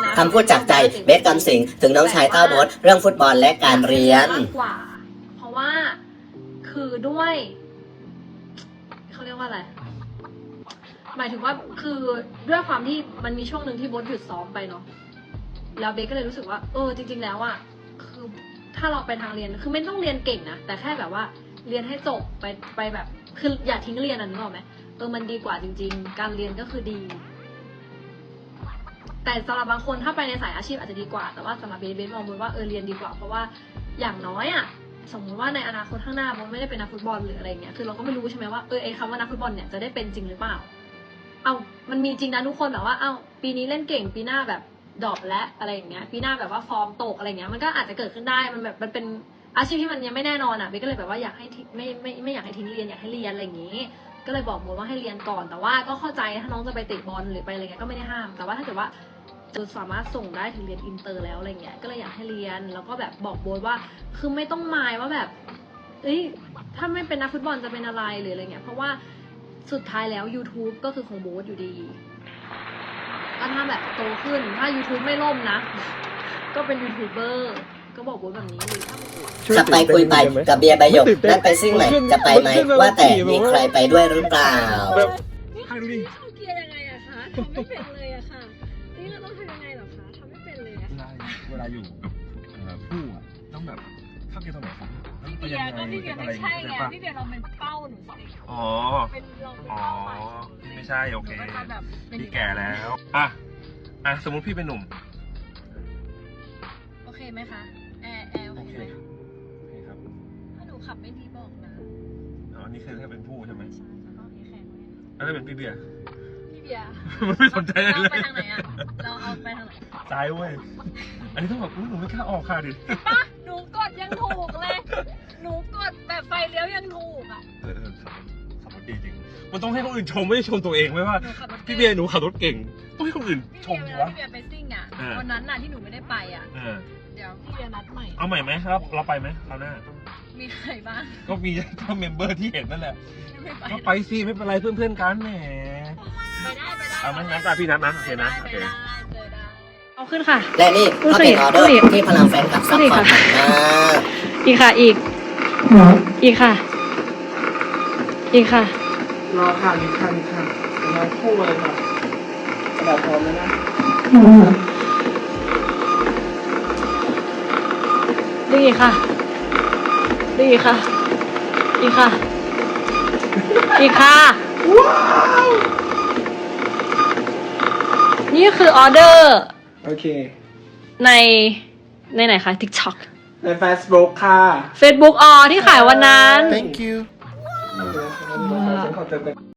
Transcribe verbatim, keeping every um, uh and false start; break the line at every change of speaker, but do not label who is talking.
คำพูดจากใจเบสกำสิงถึงน้องชายเต้าโบ๊ทเรื่องฟุตบอลและการเรียน
มากกว่าเพราะว่าคือด้วยเขาเรียกว่าอะไรหมายถึงว่าคือด้วยความที่มันมีช่วงหนึ่งที่โบ๊ทหยุดซ้อมไปเนาะแล้วเบสก็เลยรู้สึกว่าเออจริงๆแล้วอ่ะคือถ้าเราไปทางเรียนคือไม่ต้องเรียนเก่งนะแต่แค่แบบว่าเรียนให้จบไปไปแบบคืออย่าทิ้งเรียนอ่ะนึกออกไหมเออมันดีกว่าจริงๆการเรียนก็คือดีแต่สำหรับบางคนถ้าไปในสายอาชีพอาจจะดีกว่าแต่ว่าสำหรับเบสเบสมองว่าเออเรียนดีกว่าเพราะว่าอย่างน้อยอ่ะสมมติว่าในอนาคตข้างหน้ามันไม่ได้เป็นนักฟุตบอลหรืออะไรเงี้ยคือเราก็ไม่รู้ใช่ไหมว่าเออไอ้คำว่านักฟุตบอลเนี่ยจะได้เป็นจริงหรือเปล่าเอามันมีจริงนะทุกคนแบบว่าเอาปีนี้เล่นเก่งปีหน้าแบบดรอปและอะไรอย่างเงี้ยปีหน้าแบบว่าฟอร์มตกอะไรเงี้ยมันก็อาจจะเกิดขึ้นได้มันแบบมันเป็นอาชีพที่มันยังไม่แน่นอนอ่ะเบสก็เลยแบบว่าอยากให้ไม่ไม่ไม่อยากให้ทิ้งเรียนอยากให้เรียนอะไรอย่างงี้ก็เลยบอกโบ๊ทว่าให้เรียนก่อนแต่ว่าก็เข้าใจถ้าน้องจะไปเตะบอลหรือไปอะไรเงี้ยก็ไม่ได้ห้ามแต่ว่าถ้าเกิดว่าจะสามารถส่งได้ถึงเรียนอินเตอร์แล้วอะไรเงี้ยก็เลยอยากให้เรียนแล้วก็แบบบอกโบ๊ทว่าคือไม่ต้องหมายว่าแบบเอ้ยถ้าไม่เป็นนักฟุตบอลจะเป็นอะไรหรืออะไรเงี้ยเพราะว่าสุดท้ายแล้ว YouTube ก็คือของโบ๊ทอยู่ดีก็ถ้าแบบโตขึ้นถ้า YouTube ไม่ล่มนะก็เป็นยูทูบเบอร์ก็บอกโบ๊ทแบบนี้เลย
จะไปคุยไปกับเบียร์ใบหยกนั่นไปซิ่งไหนจะไปไหมว่าแต่มีใครไปด้วยหรือเปล่า
ให้ดูดิเกียร์ยังไงอะคะทำไม่เป็นเลยอะค่ะนี่เราต้องทำยังไงหรอคะทำไม่เป็นเลยอะ
เวลาอยู่กับผู้อะต้องแบบเข้าเกียร์ตรงไหนครับ
พี่เบียร์ก็พี่เบียร์ไม่ใช่ไงพี่เบียร์เราเป็นเป้าหนูสิ
อ๋อ
เป็นเราเป็น
อ๋อ
เป้าหมาย
ไม่ใช่โอเคพี่แก่แล้วอ่ะอ่ะสมมุติพี่เป็นหนุ่ม
โอเคไหมคะแอร์แอร์โอเคโอเคครับถ้าหนูขับไม่ดีบอกนะ
อ๋อนี่คือถ้าเป็นผู้ใช่ไหม
ใช่แล้วก็แข็งเลย
แล้วถ้าเป็นพี่เบียร์
พี่เบียร์
มันไม่สนใจเลยเรา
ไปทางไหนอะเราเอาไปทางไหน
ซ้ายเว้ยอันนี้ต้องแบบหนูไม่กล้าออกค่ะดิ
ป่ะหนูกดยังถูกเลยหนูกดแบบไฟเลี้ยวยังถูกอ่ะ
เออขับรถดีจริงมันต้องให้คนอื่นชมไม่ใช่ชมตัวเองไหมว่าพี่เบียร์หนูขับรถเก่งต้องให้คนอื่นชม
วะพี่เบียร์ไปซิ่งอ่ะวันนั้นน่ะที่หนูไม่ได้ไปอ่ะเดี๋ยวพี่เบียร์นัดใหม่
เอาใหม่ไหมครับเราไปไหมคราวหน้า
มีใครบ้าง
ก็มีทั้งเมมเบอร์ที่เห็นนั่นแหละก็ไปสิไม่เป็นไรเพื่อนๆกันแหม
ไปได้ไปได้
เอาไหมงั้นพี่นัดนะโอเคนะโอเค
เอาขึ้นค่ะ
และนี่ก็เป็นออเดอร์ที่พลังแฟนคลับซัพพอร์ตมาก
อีกค่ะอีกอีกค่ะอีกค่ะ
รอค่ะนิดค่ะนิดค่ะมาคู่เลยค่ะกระดาษพร้อมแล้วนะ
ดีค่ะดีค่ะอีกค่ะอีกค่ะว้าวนี่คือออเดอร์
โอเค
ในในไหนคะ TikTok
ใน Facebook ค่ะ
Facebook อ๋อที่ขายวันนั้น
Thank you
ฉันขอเติมกัน